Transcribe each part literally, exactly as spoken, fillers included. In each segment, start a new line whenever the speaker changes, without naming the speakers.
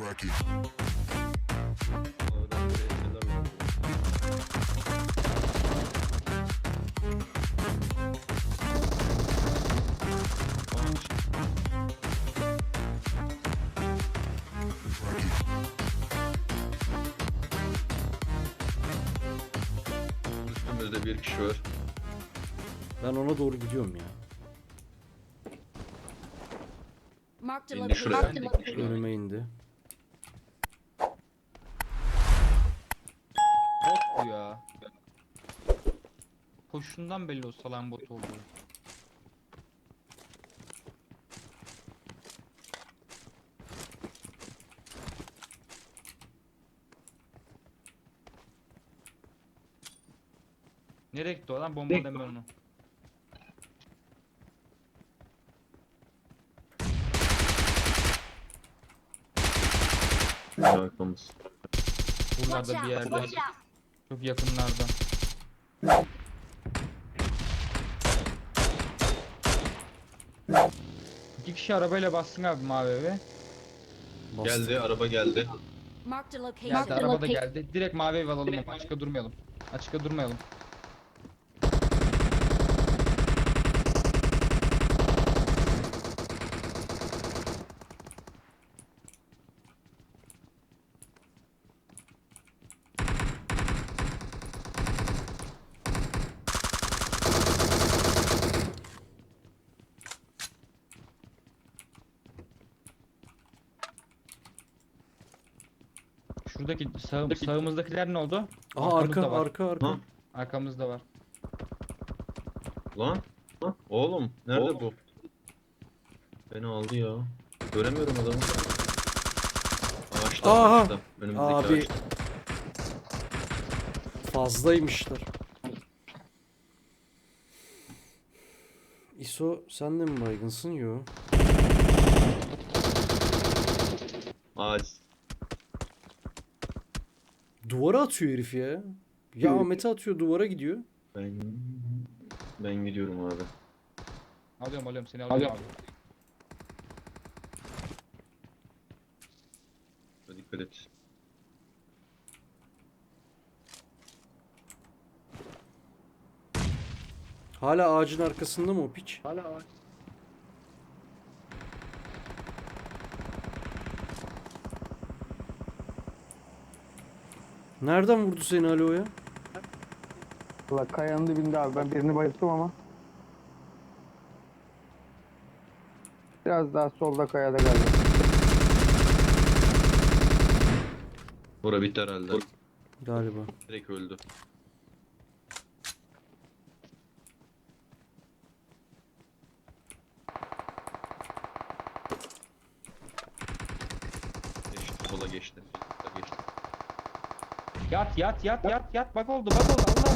Rocky.
Oradan buraya şeyler var.
Rocky.
Üstümüzde bir kişi var.
Ben ona doğru gidiyorum ya.
Marked a
İndi
location.
şuraya.
Marked a location.
Önüme indi.
Bot bu ya. Koşundan belli o salan bot olduğu. Nereye gitti o lan? Bomba deme onu.
Arkamız.
Watch
Buralarda bir
out.
yerde.
Watch out.
Çok yakınlarda. İki kişi arabayla bassın abi mavi eve.
Bastım.
Geldi, araba geldi.
Marked a location.
Geldi
Marked a
araba da
location.
geldi. Direkt mavi ev alalım ama açıkta durmayalım. Açıkta durmayalım. Şuradaki sağ, sağımızdakiler ne oldu?
Aha
Arkamızda
arka
var.
arka arka.
Ha?
Arkamızda var.
Lan, lan. Oğlum, nerede bu? Beni aldı ya. Göremiyorum adamı. Ağaçta,
Aha!
ağaçta. Önümüzdeki
Abi.
ağaçta.
Fazlaymışlar. İso sen de mi baygınsın? Yo.
Ağaç.
Duvara atıyor herif ya. Ya Ahmet'e atıyor duvara gidiyor.
Ben... Ben gidiyorum abi.
Alıyorum alıyorum seni alıyorum abi.
Dikkat et.
Hala ağacın arkasında mı o piç?
Hala ağaç.
Nereden vurdu seni Alo ya?
Valla kayanın dibinde abi. Ben birini bayılttım ama. Biraz daha solda kayada galiba.
Bura bitti herhalde.
Galiba.
Direkt öldü. Geçti, sola geçti. Sola geçti.
Yat yat yat yat yat bak oldu bak oldu Allah'ım.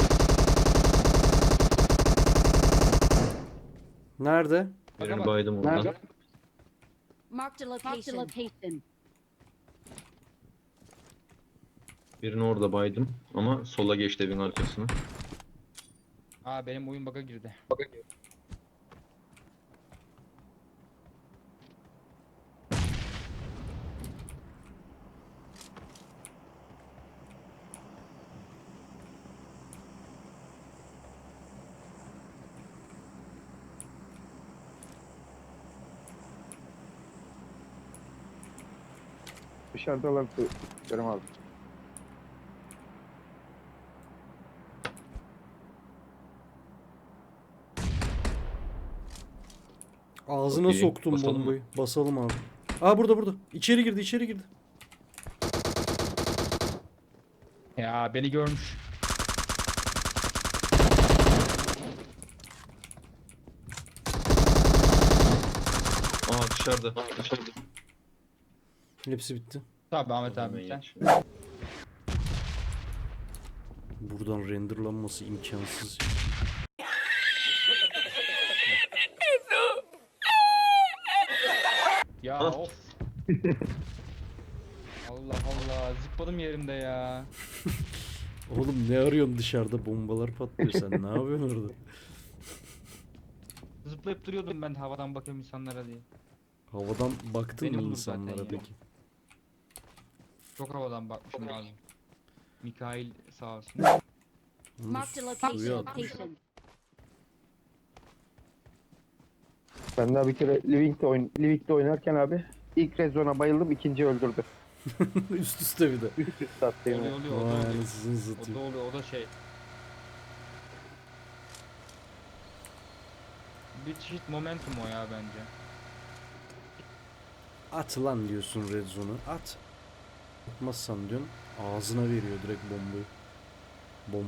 Nerede?
Birini
bak.
baydım oradan.
Nerede?
Marked a location.
Birini orada baydım ama sola geçti evin arkasına.
Aa benim oyun bug'a girdi.
Dışarıda olan görüm abi.
Ağzına
Çok iyi.
soktum
Basalım mı?
bombayı. Basalım abi. Aa burada burada. İçeri girdi içeri girdi.
Ya beni görmüş.
Aa dışarıda. Dışarıda.
Hepsi bitti.
Tabii Ahmet abi
Hemen
sen.
geç.
Buradan renderlanması imkansız.
Ya
Ah.
of. Allah Allah zıpladım yerimde ya.
Oğlum ne arıyorsun dışarıda? Bombalar patlıyor. Sen ne yapıyorsun orada?
Zıplayıp duruyordum ben havadan bakıyorum insanlara diye.
Havadan baktın
Beni
mı
bulur zaten
insanlara
ya.
peki?
Çok havadan bakmışım lazım. Mikail sağ olsun.
Bunu
Marked a
suya
location.
atmış.
Location.
Ben daha bir kere Livink'te, oyn Livink'te oynarken abi ilk rezona bayıldım, ikinci öldürdü.
Üst üste bir de.
Üst üste attı yine.
Oluyor oluyor o da
Vay
oluyor.
anasını
O da
satayım.
oluyor o da şey. Bir çeşit momentum o ya bence.
At lan diyorsun red zone'u. At. Atmazsan diyorsun. Ağzına veriyor direkt bombayı. Bom.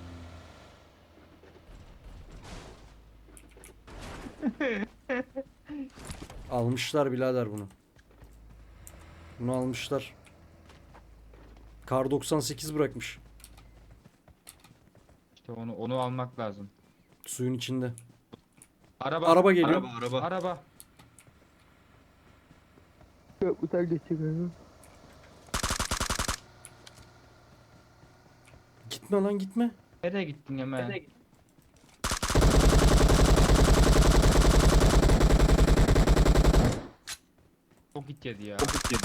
Almışlar birader bunu. Bunu almışlar. Kar doksan sekiz bırakmış.
İşte onu onu almak lazım.
Suyun içinde.
Araba.
Araba geliyor.
Araba araba.
Araba.
Köprüden geçiyor.
Gitme lan gitme.
Nereye gittin hemen? Çok git yedi ya. Çok git yedi.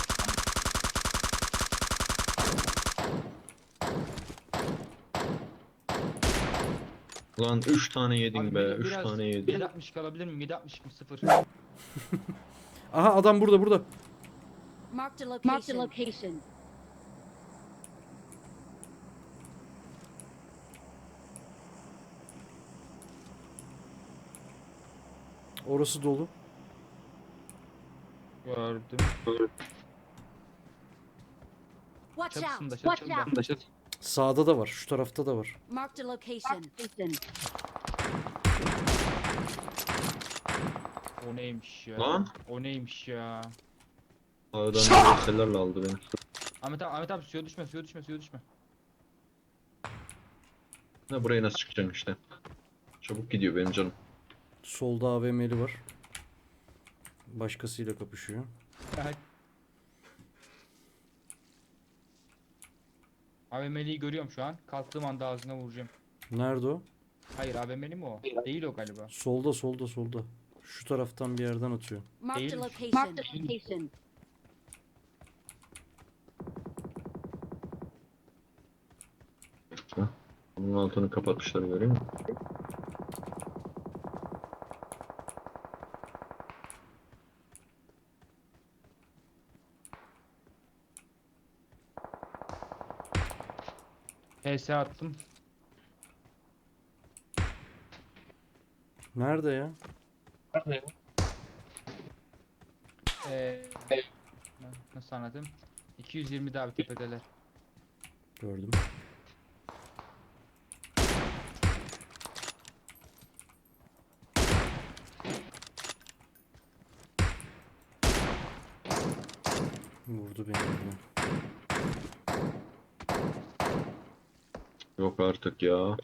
Lan üç tane yedin
Abi
be.
bir-
üç
biraz
tane yedin.
yedi altmış alabilir miyim? yedi altmış sıfır.
Aha adam burada burada.
Marked a location. Marked a location.
Orası dolu.
Gördüm.
Watch out.
Çatısında
Watch
çatısında.
out.
Sağda da var. Şu tarafta da var.
Marked a location.
O neymiş ya?
Lan.
O neymiş ya?
Sağdan görsellerle aldı beni.
Ahmet abi, Ahmet abi suya düşme, suya düşme, suya düşme.
Ha, buraya nasıl çıkacaksın işte. Çabuk gidiyor benim canım.
Solda A V M'li var. Başkasıyla kapışıyor.
A V M'liyi görüyorum şu an. Kalktığım anda ağzına vuracağım.
Nerede o?
Hayır A V M'li mi o? Değil o galiba.
Solda solda solda. Şu taraftan bir yerden atıyor.
Marked a
Değil.
location. Marked a location.
Ha. Bunun altını kapatmışlar görüyor musun?
P S attım.
Nerede ya?
Ee, nasıl anladım? iki yüz yirmi daha bir tepedeler.
Gördüm. Vurdu beni. yine.
Yok artık ya.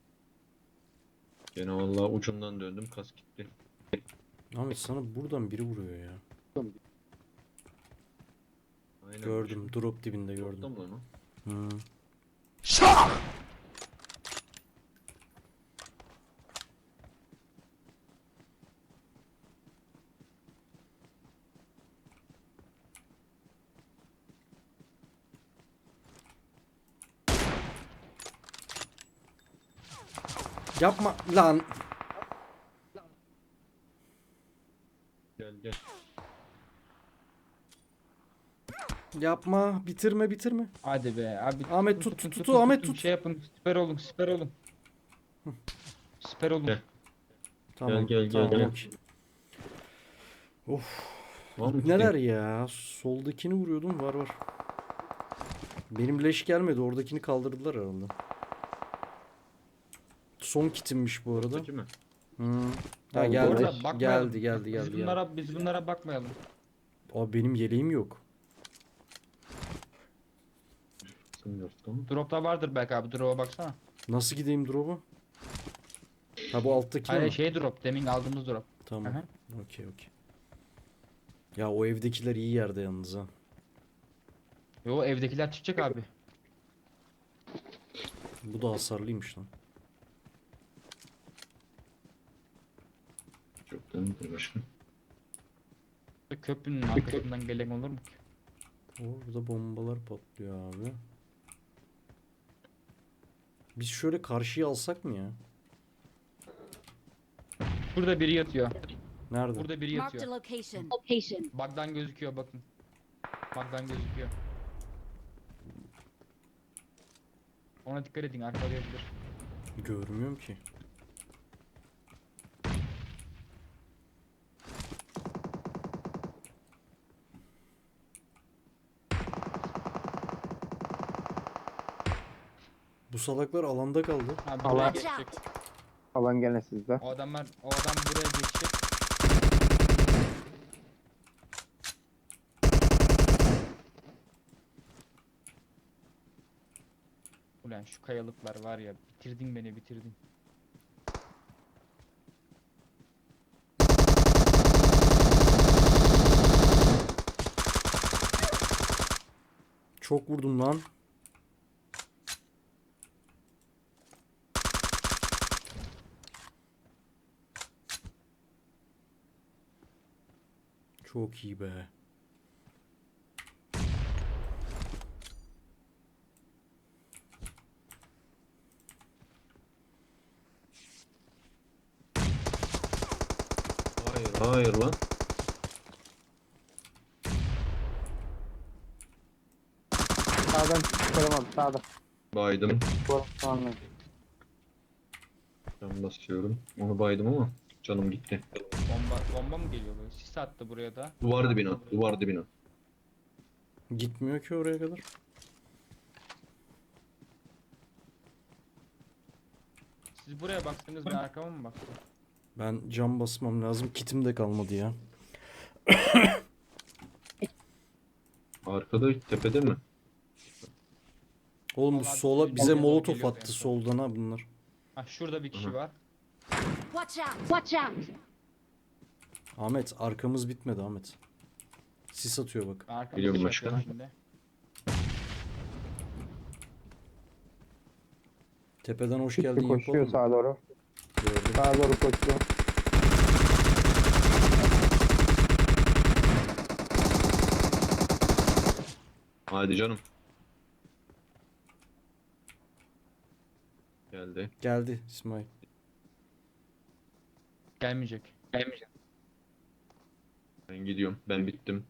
Gene vallahi ucundan döndüm, kas gitti.
Ahmet sana buradan biri vuruyor ya.
Aynen.
Gördüm. Drop dibinde gördüm.
Gördüm lan o.
Hı. Yapma lan.
Gel gel.
Yapma. Bitirme bitirme.
Hadi be abi.
Ahmet
tutun,
tut,
tutun,
tut,
tutun,
Ahmet
tutun.
tut.
Şey yapın. Siper olun. Siper olun. Siper olun.
Gel.
Tamam.
gel, gel,
tamam,
gel.
okey. Of.
Var mı?
Neler ya? Soldakini vuruyordum. Var var. Benim leş gelmedi. Oradakini kaldırdılar herhalde. Son kitimmiş bu arada.
Ortadaki mi?
Hı. Ha,
Ha, bu
geldi.
arada bakmayalım.
Geldi geldi
Biz
geldi. geldi.
bunlara biz bunlara bakmayalım.
Abi benim yeleğim yok.
Sınırsın mı?
Drop'ta vardır belki abi. Drop'a baksana.
Nasıl gideyim drop'a? Ha bu alttaki
Hayır
mi?
şey drop. Demin aldığımız drop.
Tamam.
Aha.
Okey okey. Ya o evdekiler iyi yerde yalnız ha.
Yo evdekiler çıkacak abi.
Bu da hasarlıymış lan.
Çok dönüyor başka.
Köprünün arkasından gelen olur mu ki?
Orada bombalar patlıyor abi. Biz şöyle karşıya alsak mı ya?
Burada biri yatıyor.
Nerede?
Burada biri
Marked a
yatıyor.
location. Location.
Bug'dan gözüküyor bakın. Bug'dan gözüküyor. Ona dikkat edin, arkalayabilir.
Görmüyorum ki. Bu salaklar alanda kaldı.
Ha, buraya
Allah.
geçecek.
Alan gene sizde.
O adamlar, o adam buraya geçecek. Ulan şu kayalıklar var ya, bitirdin beni, bitirdin.
Çok vurdum lan. Çok iyi be.
Hayır hayır lan.
Sağdan çıkaramam sağda.
Baydım.
Bu anladım.
Can basıyorum. Onu baydım ama canım gitti.
Bomba, bomba mı geliyor böyle? Sis attı buraya da.
Duvar dibine at. Duvar dibine at.
Gitmiyor ki oraya kadar.
Siz buraya baktınız, ben arkama mı baktım?
Ben cam basmam lazım. Kitim de kalmadı ya.
Arkada tepede mi?
Oğlum bu
Vallahi
sola
bir-
bize
bir-
molotof
geliyor
attı
en son.
soldan ha bunlar.
Ha şurada bir kişi
Hı hı.
var.
Watch out. Watch out.
Ahmet arkamız bitmedi Ahmet. Sis atıyor bak.
Ben arkamda
Biliyorum
şey
başka.
yapıyorum şimdi.
Tepeden hoş
Çıktı
geldin
koşuyor
yapalım mı?
sağa doğru.
Gördüm.
Sağa doğru koşuyor.
Hadi canım. Geldi.
Geldi İsmail.
Gelmeyecek. Gelmeyecek.
Ben gidiyorum. Ben bittim.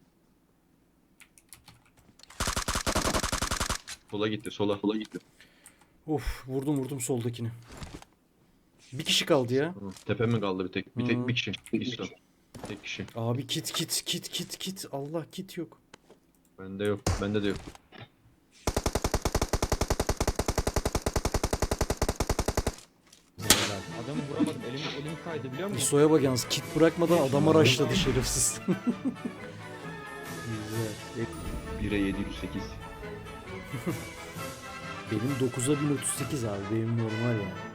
Sola gitti. Sola. Sola gitti.
Of vurdum vurdum soldakini. Bir kişi kaldı ya.
Tamam. Tepe mi kaldı bir tek? Bir
Hı.
tek bir kişi. İslam. Tek kişi.
Abi kit kit kit kit kit. Allah kit yok.
Bende yok. Bende de yok.
Adamı vuramadım. Elim, elim kaydı biliyor musun?
İso'ya bak yalnız kit bırakmadan adama rushladı şerefsiz. Güzel.
bire yedi yüz sekiz.
Benim dokuza bin otuz sekiz abi benim normal ya.